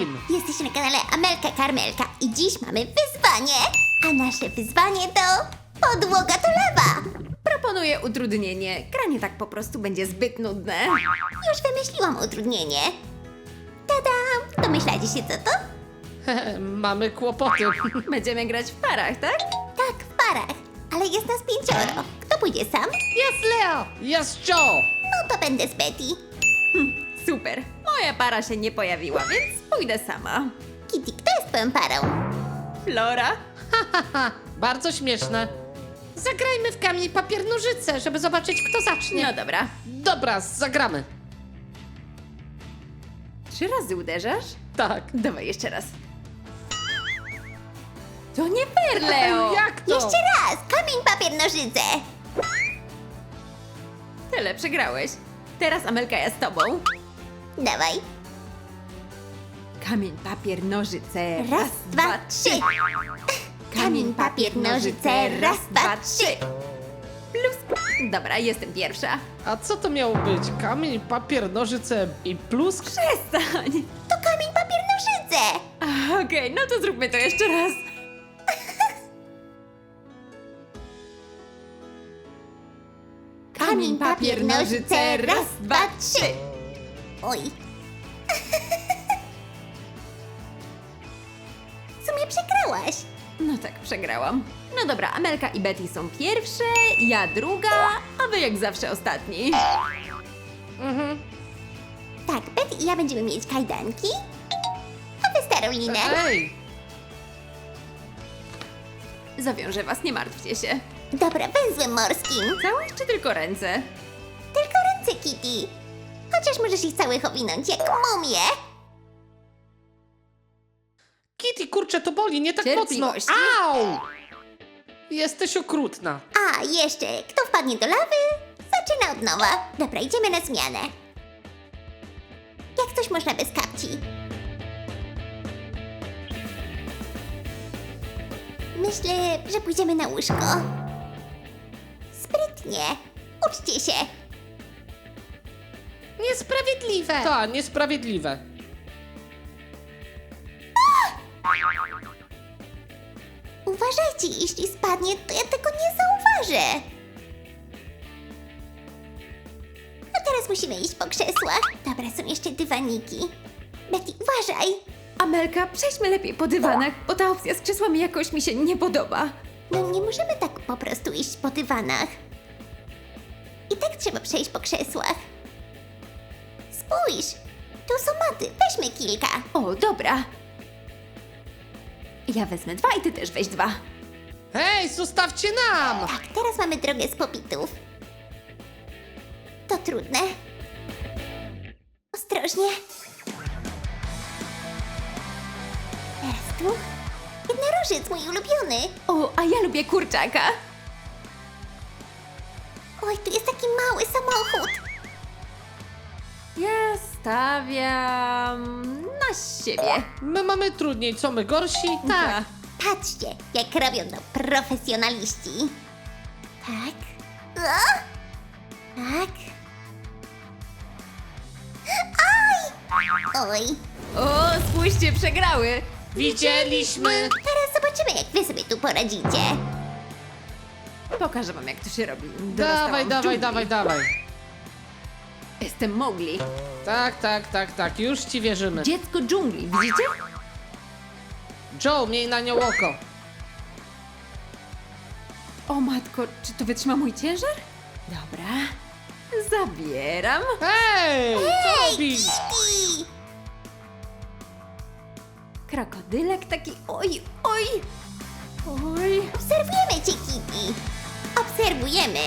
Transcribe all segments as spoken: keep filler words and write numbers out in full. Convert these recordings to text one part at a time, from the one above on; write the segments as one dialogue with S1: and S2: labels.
S1: wszystkim!
S2: Jesteście na kanale Amelka Karmelka i dziś mamy wyzwanie. A nasze wyzwanie to podłoga to lawa.
S3: Proponuję utrudnienie. Granie tak po prostu będzie zbyt nudne.
S2: Już wymyśliłam utrudnienie. Tada! Domyślacie się co to?
S1: Mamy kłopoty.
S3: Będziemy grać w parach, tak?
S2: Tak, w parach. Ale jest nas pięcioro. Kto pójdzie sam?
S1: Jest Leo! Jest Joe!
S2: No to będę z Betty.
S3: Super. Moja para się nie pojawiła, więc pójdę sama.
S2: Kitty, kto jest twoją parą?
S3: Flora?
S1: Haha, bardzo śmieszne. Zagrajmy w kamień, papier, nożyce, żeby zobaczyć, kto zacznie.
S3: No dobra.
S1: Dobra, zagramy.
S3: Trzy razy uderzasz?
S1: Tak.
S3: Dawaj jeszcze raz. To nie fair, Leo!
S1: Jak to?
S2: Jeszcze raz! Kamień, papier, nożyce!
S3: Tyle, przegrałeś. Teraz Amelka, ja z tobą.
S2: Dawaj.
S3: Kamień, papier, nożyce.
S2: Raz, dwa, trzy. Kamień, papier, nożyce. Raz, dwa, trzy.
S3: Plus. Dobra, jestem pierwsza.
S1: A co to miało być? Kamień, papier, nożyce i plusk?
S3: Przestań.
S2: To kamień, papier, nożyce!
S3: A, Okej, no to zróbmy to jeszcze raz.
S2: Kamień, papier, nożyce. Raz, dwa, trzy. Oj. W sumie przegrałaś.
S3: No tak, przegrałam. No dobra, Amelka i Betty są pierwsze, ja druga, a wy jak zawsze ostatni.
S1: Mhm.
S2: Tak, Betty i ja będziemy mieć kajdanki, a wy starą linę.
S1: Ej!
S3: Zawiążę was, nie martwcie się.
S2: Dobra, węzłem morskim.
S3: Całe czy tylko ręce?
S2: Tylko ręce, Kitty. Chociaż możesz ich całych owinąć jak mumię.
S1: Kitty, kurczę, to boli, nie tak mocno.
S3: Cierpliwości.
S1: Au! Jesteś okrutna.
S2: A, jeszcze, kto wpadnie do lawy, zaczyna od nowa. Dobra, idziemy na zmianę. Jak coś można bez kapci. Myślę, że pójdziemy na łóżko. Sprytnie. Uczcie się.
S1: Niesprawiedliwe. Tak, niesprawiedliwe.
S2: Uważajcie, jeśli spadnie, to ja tego nie zauważę. A teraz musimy iść po krzesłach. Dobra, są jeszcze dywaniki. Betty, uważaj.
S3: Amelka, przejdźmy lepiej po dywanach, bo ta opcja z krzesłami jakoś mi się nie podoba.
S2: No nie możemy tak po prostu iść po dywanach. I tak trzeba przejść po krzesłach. Spójrz, tu są maty, weźmy kilka.
S3: O, dobra. Ja wezmę dwa i ty też weź dwa.
S1: Hej, zostawcie nam!
S2: Tak, teraz mamy drogę z popitów. To trudne. Ostrożnie. Teraz tu. Jednorożec, mój ulubiony.
S3: O, a ja lubię kurczaka.
S2: Oj, tu jest taki mały samochód.
S3: Ja stawiam na siebie.
S1: My mamy trudniej, co my gorsi?
S3: Tak.
S2: Patrzcie, jak robią to profesjonaliści. Tak. O! Tak. Aj! Oj.
S3: O, spójrzcie, przegrały.
S1: Widzieliśmy!
S2: Teraz zobaczymy, jak wy sobie tu poradzicie.
S3: Pokażę wam, jak to się robi.
S1: Dawaj,
S3: Dorastałam w
S1: dawaj,
S3: dżungli.
S1: dawaj, dawaj.
S3: Jestem Mowgli.
S1: Tak, tak, tak, tak, już ci wierzymy.
S3: Dziecko dżungli, widzicie?
S1: Joe, miej na nią oko.
S3: O matko, czy to wytrzyma mój ciężar? Dobra. Zabieram.
S1: Hej! Co robisz?
S2: I...
S3: Krokodylek taki, oj, oj. Oj.
S2: Obserwujemy cię, Kitty. Obserwujemy.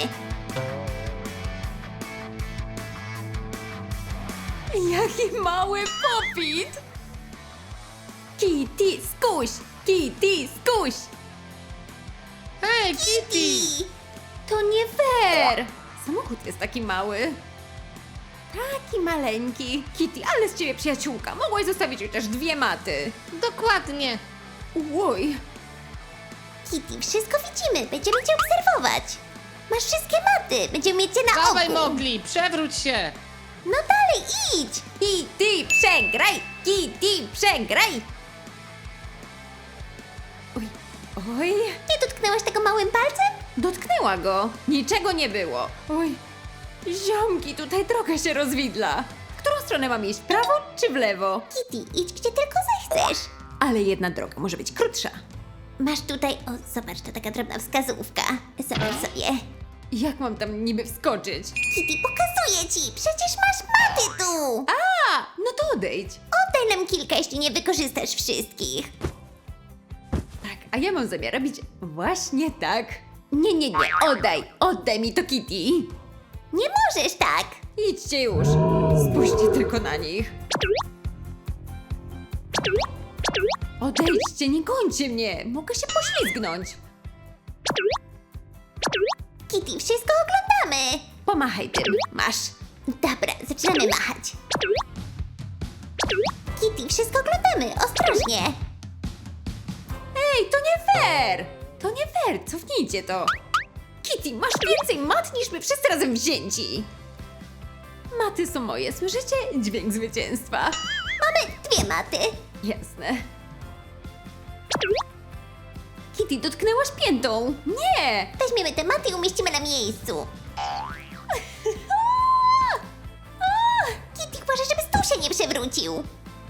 S3: Jaki mały popit! Kitty, skuś! Kitty, skuś!
S1: Hej, Kitty!
S2: I...
S3: To nie fair! Samochód jest taki mały. Taki maleńki. Kitty, ale z ciebie przyjaciółka. Mogłaś zostawić chociaż dwie maty.
S1: Dokładnie.
S3: Oj.
S2: Kitty, wszystko widzimy. Będziemy cię obserwować. Masz wszystkie maty. Będziemy mieć cię na
S1: Dawaj,
S2: oku.
S1: Mowgli, przewróć się.
S2: No dalej, idź.
S3: Kitty, przegraj! Kitty, przegraj! Oj, oj,
S2: Nie dotknęłaś tego małym palcem?
S3: dotknęła go. Niczego nie było. Oj, ziomki, tutaj droga się rozwidla. W którą stronę mam iść, w prawo czy w lewo?
S2: Kitty, idź gdzie tylko zechcesz.
S3: Ale jedna droga może być krótsza.
S2: Masz tutaj, o zobacz, to taka drobna wskazówka. Zobacz sobie.
S3: Jak mam tam niby wskoczyć?
S2: Kitty, pokazuję ci, przecież masz maty tu.
S3: A, no to odejdź.
S2: Oddaj nam kilka, jeśli nie wykorzystasz wszystkich.
S3: Tak, a ja mam zamiar robić właśnie tak. Nie, nie, nie, oddaj, oddaj mi to Kitty.
S2: Nie możesz tak.
S3: Idźcie już, spójrzcie tylko na nich. Odejdźcie, nie gońcie mnie, mogę się poślizgnąć.
S2: Kitty, wszystko oglądamy.
S3: Pomachaj tym, masz.
S2: Dobra, zaczynamy machać. Kitty, wszystko oglądamy, ostrożnie.
S3: Ej, to nie fair! To nie fair, cofnijcie to. Kitty, masz więcej mat niż my wszyscy razem wzięci. Maty są moje, słyszycie? Dźwięk zwycięstwa.
S2: Mamy dwie maty.
S3: Jasne. Kitty, dotknęłaś piętą. Nie!
S2: Weźmiemy te maty i umieścimy na miejscu. Kitty, uważaj, żeby stół się nie przewrócił.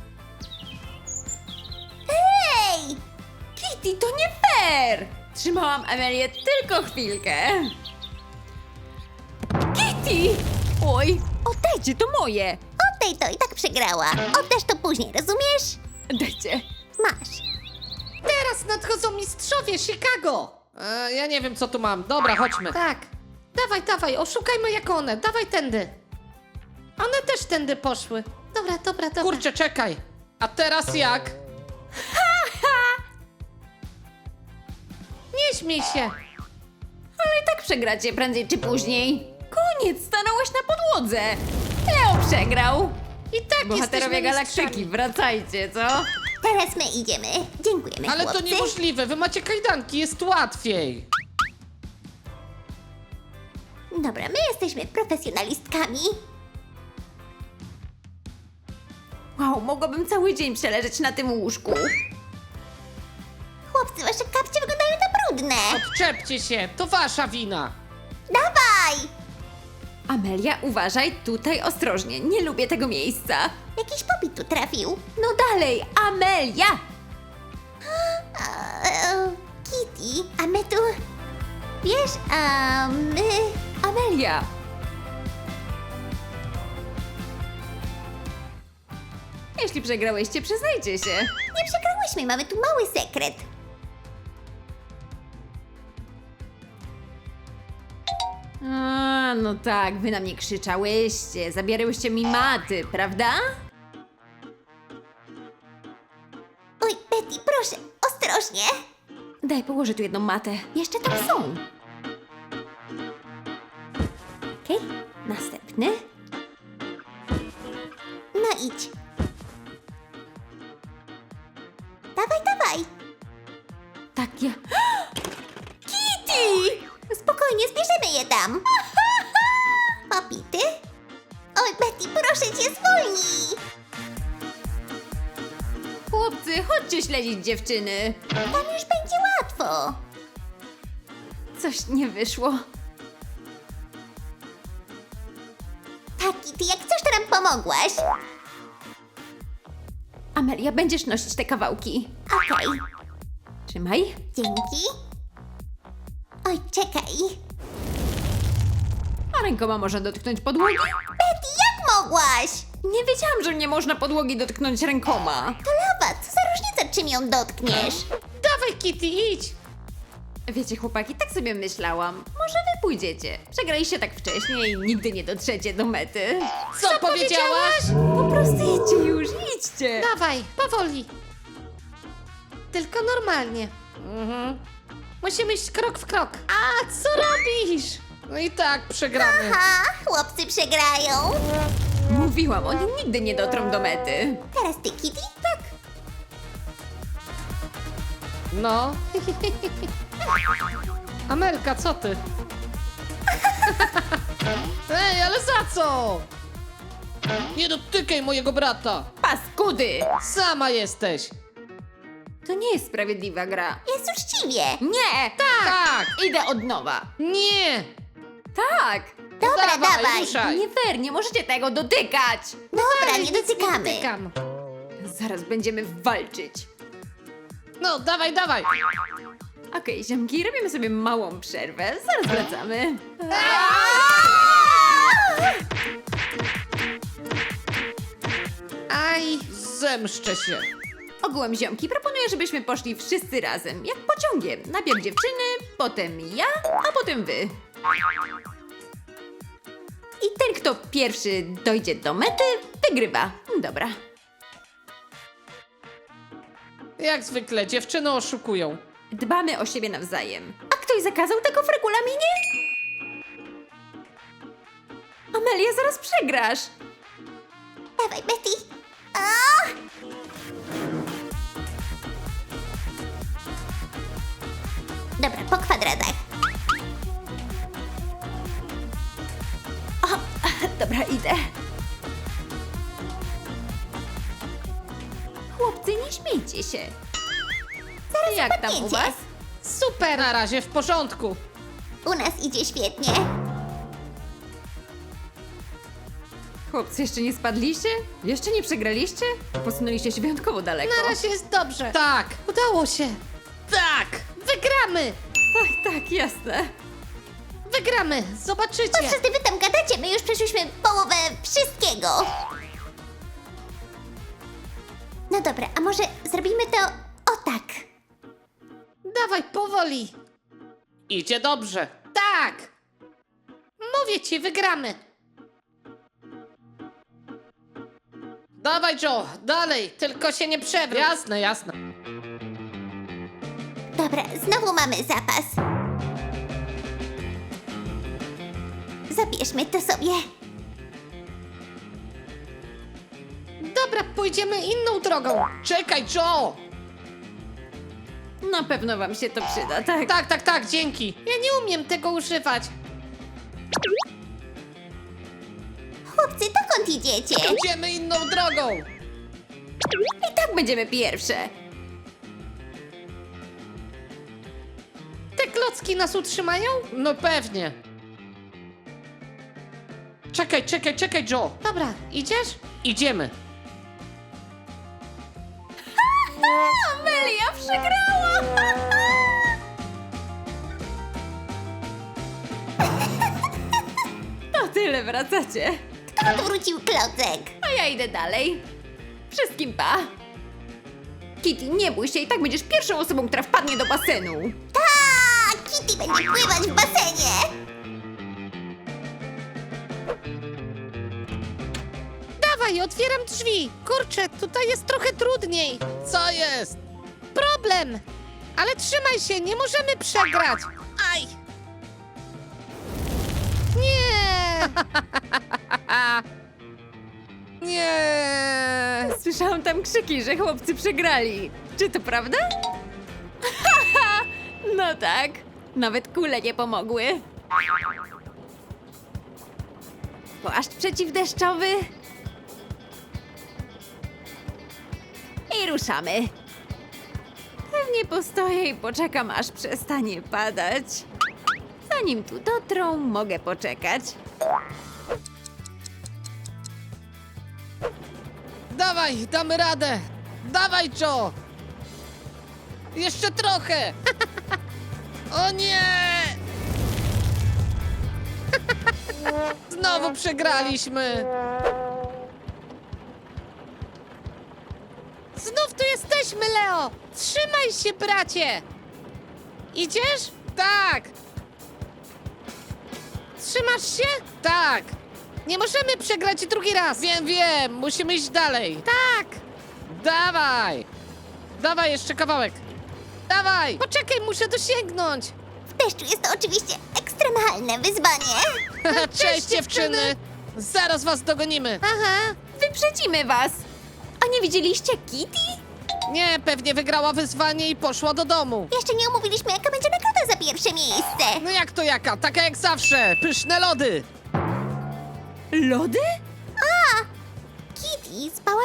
S2: Ej!
S3: Kitty, to nie fair! Trzymałam Amelię tylko chwilkę. Kitty! Oj, oddajcie, to moje.
S2: Oddaj to, i tak przegrała. Oddasz to później, rozumiesz?
S3: Dajcie.
S2: Masz.
S1: Teraz nadchodzą mistrzowie Chicago! E, ja nie wiem, co tu mam. Dobra, chodźmy. Tak. Dawaj, dawaj, oszukajmy jak one. Dawaj tędy. One też tędy poszły.
S2: Dobra, dobra, dobra.
S1: Kurczę, czekaj. A teraz jak? Nie śmiej się.
S3: Ale i tak przegracie prędzej czy później. Koniec, stanąłeś na podłodze. Leo przegrał.
S1: I tak
S3: Bohaterowie
S1: jesteśmy
S3: Galaktyki,
S1: mistrzami.
S3: wracajcie, co?
S2: Teraz my idziemy. Dziękujemy,
S1: Ale to
S2: chłopcy.
S1: niemożliwe, wy macie kajdanki, jest łatwiej.
S2: Dobra, my jesteśmy profesjonalistkami.
S3: Wow, mogłabym cały dzień przeleżeć na tym łóżku.
S2: Chłopcy, wasze kapcie wyglądają na brudne.
S1: Odczepcie się, to wasza wina.
S2: Dawaj!
S3: Amelia, uważaj, tutaj ostrożnie, nie lubię tego miejsca.
S2: Jakiś popit tu trafił.
S3: No dalej, Amelia!
S2: Eee, Kitty, a my tu... Wiesz, a my...
S3: Amelia! Jeśli przegrałyście, przyznajcie się.
S2: Nie przegrałyśmy, mamy tu mały sekret.
S3: A, no tak, wy na mnie krzyczałyście, zabierałyście mi maty, prawda?
S2: Oj, Betty, proszę, ostrożnie.
S3: Daj, położę tu jedną matę. Jeszcze tam są. Okej, następny.
S2: No idź. Dawaj, dawaj.
S3: Tak, ja... Kitty!
S2: Spokojnie, zbierzemy je tam. Popity? Oj, Betty, proszę cię, zwolnij.
S3: Chłopcy, chodźcie śledzić dziewczyny.
S2: Tam już będzie łatwo.
S3: Coś nie wyszło.
S2: Tak, Kitty, jak coś, to nam pomogłaś.
S3: Amelia, będziesz nosić te kawałki.
S2: Okej,
S3: Trzymaj.
S2: dzięki. Oj, czekaj.
S3: A rękoma można dotknąć podłogi?
S2: Betty, jak mogłaś?
S3: Nie wiedziałam, że nie można podłogi dotknąć rękoma.
S2: To lawa, co za różnica, czym ją dotkniesz?
S1: Dawaj, Kitty, idź.
S3: Wiecie, chłopaki, tak sobie myślałam. Może wy pójdziecie. Przegraliście tak wcześnie i nigdy nie dotrzecie do mety.
S1: Co, Co powiedziałaś?
S3: Po prostu idźcie już, idźcie.
S1: Dawaj, powoli. Tylko normalnie. Mhm. Musimy iść krok w krok. A, co robisz? No i tak przegramy.
S2: Ha, chłopcy przegrają.
S3: Mówiłam, oni nigdy nie dotrą do mety.
S2: Teraz ty, Kitty? Tak.
S1: No. Amelka, co ty? Ej, ale za co? Nie dotykaj mojego brata!
S3: Paskudy!
S1: Sama jesteś!
S3: To nie jest sprawiedliwa gra.
S2: Jest uczciwie.
S3: Nie!
S1: Tak!
S3: Idę od nowa.
S1: Nie!
S3: Tak!
S2: Dobra,
S1: Dawaj,
S2: dawaj.
S1: ruszaj.
S3: Nie fair, nie możecie tego dotykać!
S2: Dobra, nie
S1: nic nie
S2: dotykamy.
S1: dotykam.
S3: Zaraz będziemy walczyć.
S1: No, dawaj, dawaj!
S3: Okej, ziomki, robimy sobie małą przerwę. Zaraz wracamy.
S1: Aj, zemszczę się.
S3: Ogółem ziomki, proponuję, żebyśmy poszli wszyscy razem, jak pociągiem. Najpierw dziewczyny, potem ja, a potem wy. I ten, kto pierwszy dojdzie do mety, wygrywa. Dobra.
S1: Jak zwykle, dziewczyny oszukują.
S3: Dbamy o siebie nawzajem. A ktoś zakazał tego w regulaminie? Amelia, zaraz przegrasz.
S2: Dawaj, Betty. O! Dobra, po kwadratach.
S3: Dobra, idę. Chłopcy, nie śmiejcie się. Zaraz Jak tam u
S2: zapadniecie.
S3: was?
S1: Super! Na razie w porządku.
S2: U nas idzie świetnie.
S3: Chłopcy, jeszcze nie spadliście? Jeszcze nie przegraliście? Posunęliście się wyjątkowo daleko.
S1: Na razie jest dobrze. Tak, udało się. Tak, wygramy!
S3: Tak, tak, jasne.
S1: Wygramy, zobaczycie.
S2: Po co ty wy tam gadacie? My już przeszliśmy połowę wszystkiego. No dobra, a może zrobimy to o tak.
S1: Dawaj, powoli. Idzie dobrze. Tak! Mówię ci, wygramy. Dawaj, Joe, dalej, tylko się nie przewróć. Jasne, jasne.
S2: Dobra, znowu mamy zapas. Zabierzmy to sobie.
S1: Dobra, pójdziemy inną drogą. Czekaj, Joe!
S3: Na pewno wam się to przyda, tak?
S1: Tak, tak, tak, dzięki. Ja nie umiem tego używać.
S2: Chłopcy, dokąd idziecie?
S1: Idziemy inną drogą.
S3: I tak będziemy pierwsze.
S1: Te klocki nas utrzymają? No pewnie. Czekaj, czekaj, czekaj, Joe. Dobra, idziesz? Idziemy.
S3: Amelia przegrała! To tyle, wracacie.
S2: Kto odwrócił klocek?
S3: A ja idę dalej. Wszystkim pa. Kitty, nie bój się, i tak będziesz pierwszą osobą, która wpadnie do basenu.
S2: Tak! Kitty będzie pływać w basenie!
S1: Dawaj, otwieram drzwi. Kurczę, tutaj jest trochę trudniej. Co jest? Problem. Ale trzymaj się, nie możemy przegrać. Aj. Nie. Nie.
S3: Słyszałam tam krzyki, że chłopcy przegrali. Czy to prawda? No tak. Nawet kule nie pomogły. Płaszcz przeciwdeszczowy. I ruszamy. Pewnie postoję i poczekam, aż przestanie padać. Zanim tu dotrą, mogę poczekać.
S1: Dawaj, damy radę. Dawaj, Joe. Jeszcze trochę. O nie. Znowu przegraliśmy. Znów tu jesteśmy, Leo. Trzymaj się, bracie. Idziesz? Tak. Trzymasz się? Tak. Nie możemy przegrać drugi raz. Wiem, wiem. Musimy iść dalej. Tak. Dawaj. Dawaj jeszcze kawałek. Dawaj. Poczekaj, muszę dosięgnąć.
S2: W deszczu jest to oczywiście ekstremalne wyzwanie.
S1: Cześć, dziewczyny. Zaraz was dogonimy.
S2: Aha.
S3: Wyprzedzimy was! A nie widzieliście Kitty?
S1: Nie, pewnie wygrała wyzwanie i poszła do domu.
S2: Jeszcze nie omówiliśmy, jaka będzie nagroda za pierwsze miejsce.
S1: No jak to jaka? Taka jak zawsze. Pyszne lody.
S3: Lody?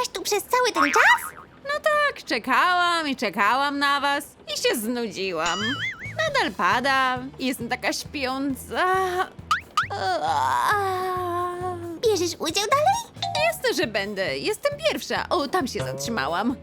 S2: Czekałaś tu przez cały ten czas?
S3: No tak, czekałam i czekałam na was i się znudziłam. Nadal pada, jestem taka śpiąca.
S2: Bierzesz udział dalej?
S3: Jasne, że będę. Jestem pierwsza. O, tam się zatrzymałam.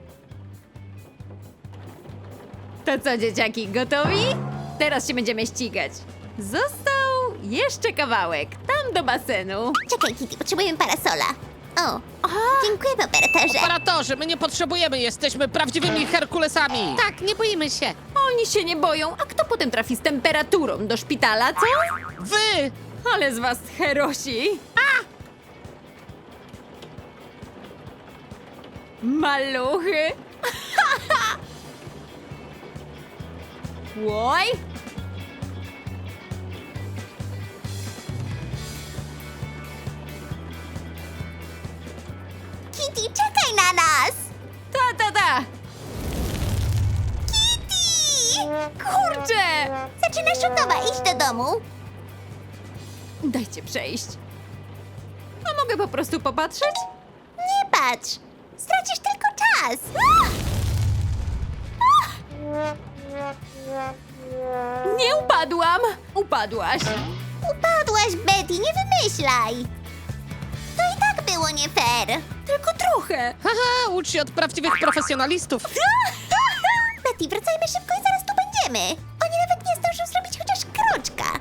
S3: To co, dzieciaki, gotowi? Teraz się będziemy ścigać. Został jeszcze kawałek, tam do basenu.
S2: Czekaj, Kitty, potrzebujemy parasola. O, dziękujemy, operatorze.
S1: Operatorzy, my nie potrzebujemy, jesteśmy prawdziwymi Herkulesami. Tak, nie boimy się.
S3: Oni się nie boją, a kto potem trafi z temperaturą do szpitala, co?
S1: Wy!
S3: Ale z was herosi! A! Maluchy! Łoj!
S2: Kitty, czekaj na nas!
S3: Ta, ta, ta!
S2: Kitty!
S3: Kurczę!
S2: Zaczynasz od nowa, idź do domu.
S3: Dajcie przejść. A mogę po prostu popatrzeć?
S2: Nie patrz, stracisz tylko czas.
S3: Nie upadłam! Upadłaś!
S2: Upadłaś, Betty, nie wymyślaj. To i tak było nie fair.
S3: Tylko trochę!
S1: Haha, ucz się od prawdziwych profesjonalistów.
S2: Betty, wracajmy szybko i zaraz tu będziemy. Oni nawet nie zdążą zrobić chociaż kroczka.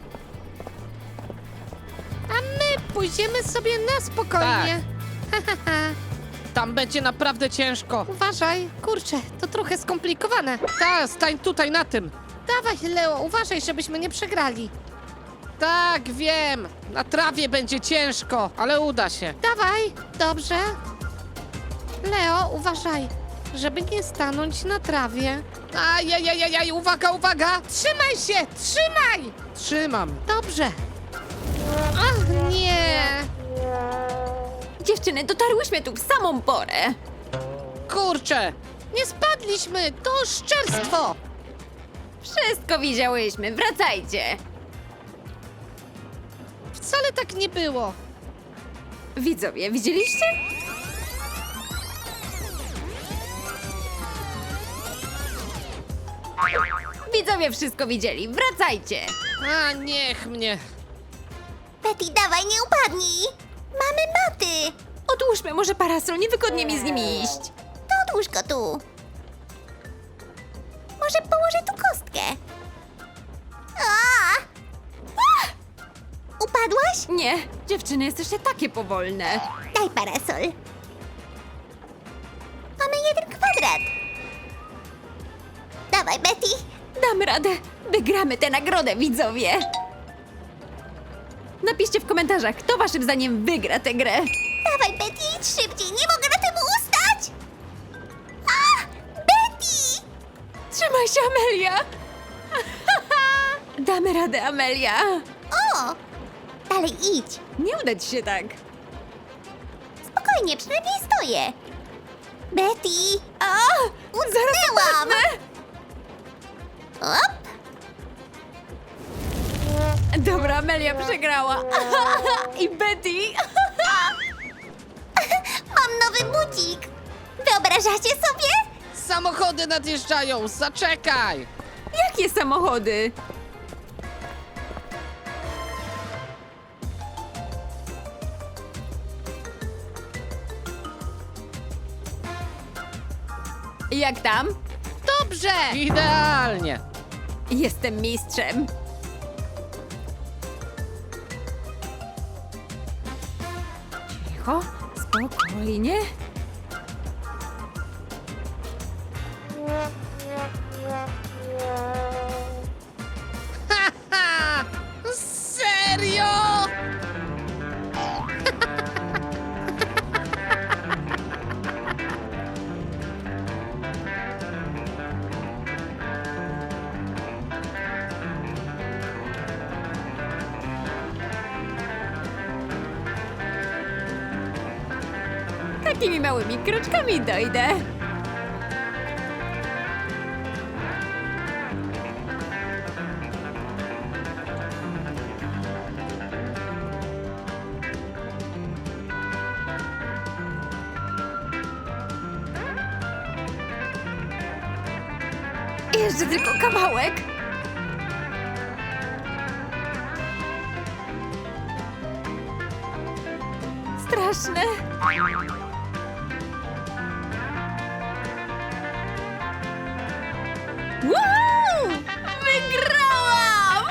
S1: A my pójdziemy sobie na spokojnie. Tam będzie naprawdę ciężko. Uważaj, kurczę, to trochę skomplikowane. Tak, stań tutaj na tym. Dawaj, Leo, uważaj, żebyśmy nie przegrali. Tak, wiem. Na trawie będzie ciężko, ale uda się. Dawaj, dobrze. Leo, uważaj, żeby nie stanąć na trawie. Ajajajajaj, uwaga, uwaga! Trzymaj się, trzymaj! Trzymam. Dobrze. Ach, nie.
S3: Dziewczyny, dotarłyśmy tu w samą porę.
S1: Kurczę, nie spadliśmy, to oszczerstwo.
S3: Wszystko widziałyśmy, wracajcie.
S1: Wcale tak nie było.
S3: Widzowie, widzieliście? Widzowie wszystko widzieli, wracajcie.
S1: A niech mnie.
S2: Betty, dawaj, nie upadnij. Mamy maty.
S3: Odłóżmy może parasol, niewygodnie mi z nim iść.
S2: To odłóż go tu. Może położę tu kostkę. A! A! Upadłaś?
S3: Nie, dziewczyny, jesteście takie powolne.
S2: Daj parasol. Mamy jeden kwadrat. Dawaj, Betty.
S3: Damy radę, wygramy tę nagrodę, widzowie. Napiszcie w komentarzach, kto waszym zdaniem wygra tę grę.
S2: Dawaj, Betty, idź szybciej. Nie mogę na tym ustać. A! Betty!
S3: Trzymaj się, Amelia. Damy radę, Amelia.
S2: O! Dalej idź.
S3: Nie uda ci się tak.
S2: Spokojnie, przynajmniej stoję. Betty!
S3: A,
S2: Utknęłam! Op!
S3: Dobra, Amelia przegrała. I Betty.
S2: Mam nowy budzik. Wyobrażacie sobie?
S1: Samochody nadjeżdżają, zaczekaj.
S3: Jakie samochody? Jak tam?
S1: Dobrze. Idealnie.
S3: Jestem mistrzem. Cicho, spokojnie.
S1: Haha! Serio?
S3: Takimi małymi kroczkami dojdę. Jeszcze tylko kawałek. Straszne. Wow! Wygrałam!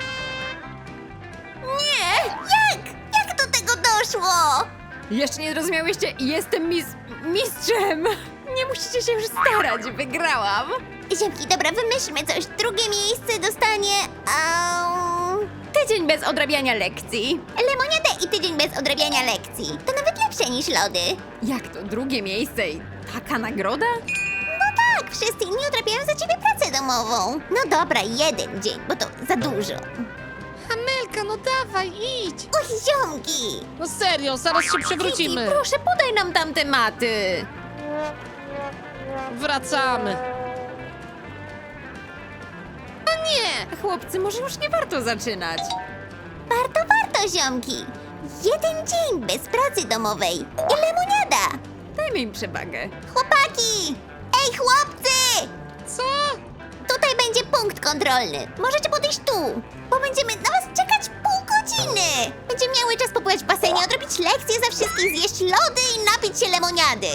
S3: Nie!
S2: Jak? Jak do tego doszło?
S3: Jeszcze nie zrozumiałyście, jestem mis... mistrzem! Nie musicie się już starać, wygrałam!
S2: Ziemki, dobra, wymyślmy coś. Drugie miejsce dostanie... Um,
S3: Tydzień bez odrabiania lekcji.
S2: lemoniadę i tydzień bez odrabiania lekcji. To nawet lepsze niż lody.
S3: Jak to drugie miejsce i taka nagroda?
S2: No tak, wszyscy inni odrabiają za ciebie pracę domową. No dobra, jeden dzień, bo to za dużo.
S1: Amelka, no dawaj, idź.
S2: Uch, ziomki!
S1: No serio, zaraz się przewrócimy.
S3: Kitty, proszę, podaj nam tamte maty.
S1: Wracamy. No nie!
S3: Chłopcy, może już nie warto zaczynać.
S2: Warto, warto, ziomki. Jeden dzień bez pracy domowej i lemoniada.
S3: Dajmy im przewagę.
S2: Chłopaki! Ej, chłopcy!
S1: Co?
S2: Tutaj będzie punkt kontrolny. Możecie podejść tu, bo będziemy na was czekać pół godziny. Będziemy miały czas popływać w basenie, odrobić lekcje za wszystkich, zjeść lody i napić się lemoniady.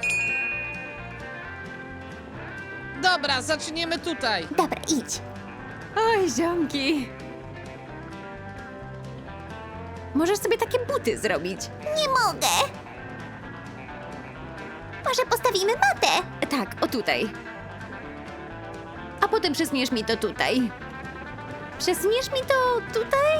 S1: Dobra, zaczniemy tutaj.
S2: Dobra, idź.
S3: Oj, ziomki. Możesz sobie takie buty zrobić.
S2: Nie mogę. Może postawimy matę?
S3: Tak, o tutaj. A potem przesuniesz mi to tutaj. Przesuniesz mi to tutaj?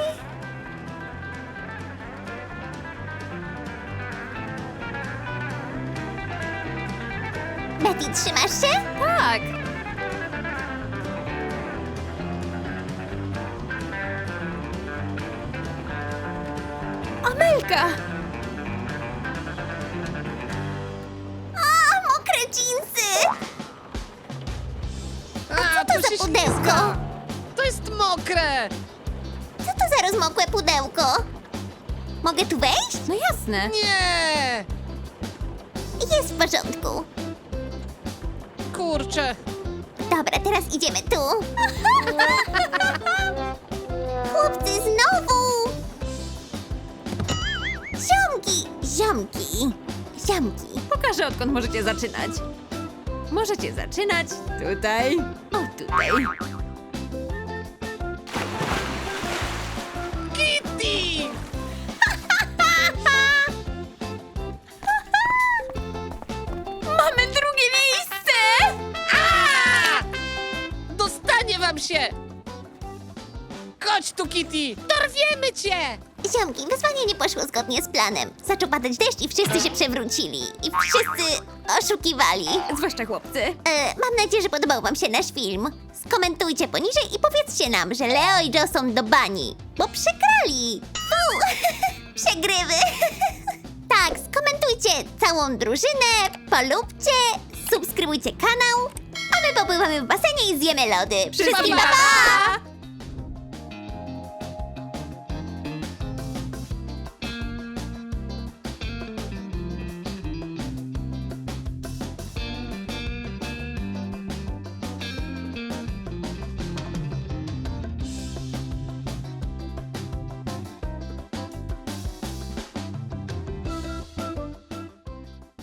S2: Betty, trzymasz się?
S3: Tak. Amelka!
S2: A, mokre dżinsy!
S1: A,
S2: to
S1: tu
S2: za
S1: się
S2: pudełko?
S1: ślizga. To jest mokre.
S2: Co to za rozmokłe pudełko? Mogę tu wejść?
S3: No jasne.
S1: Nie!
S2: Jest w porządku.
S1: Kurczę.
S2: Dobra, teraz idziemy tu. Chłopcy, znowu! Ziomki, ziomki, ziomki.
S3: Pokażę, odkąd możecie zaczynać. Możecie zaczynać tutaj. O, tutaj.
S1: Kitty!
S3: Mamy drugie miejsce!
S1: A! Dostanie wam się! Chodź tu, Kitty! Dorwiemy cię!
S2: Ziomki, wyzwanie nie poszło zgodnie z planem. Zaczął padać deszcz i wszyscy się przewrócili. I wszyscy oszukiwali.
S3: Zwłaszcza chłopcy.
S2: E, mam nadzieję, że podobał wam się nasz film. Skomentujcie poniżej i powiedzcie nam, że Leo i Joe są do bani, bo przegrali. Fu, przegrywy. Tak, skomentujcie całą drużynę, polubcie, subskrybujcie kanał, a my popływamy w basenie i zjemy lody. Wszystkim pa! pa!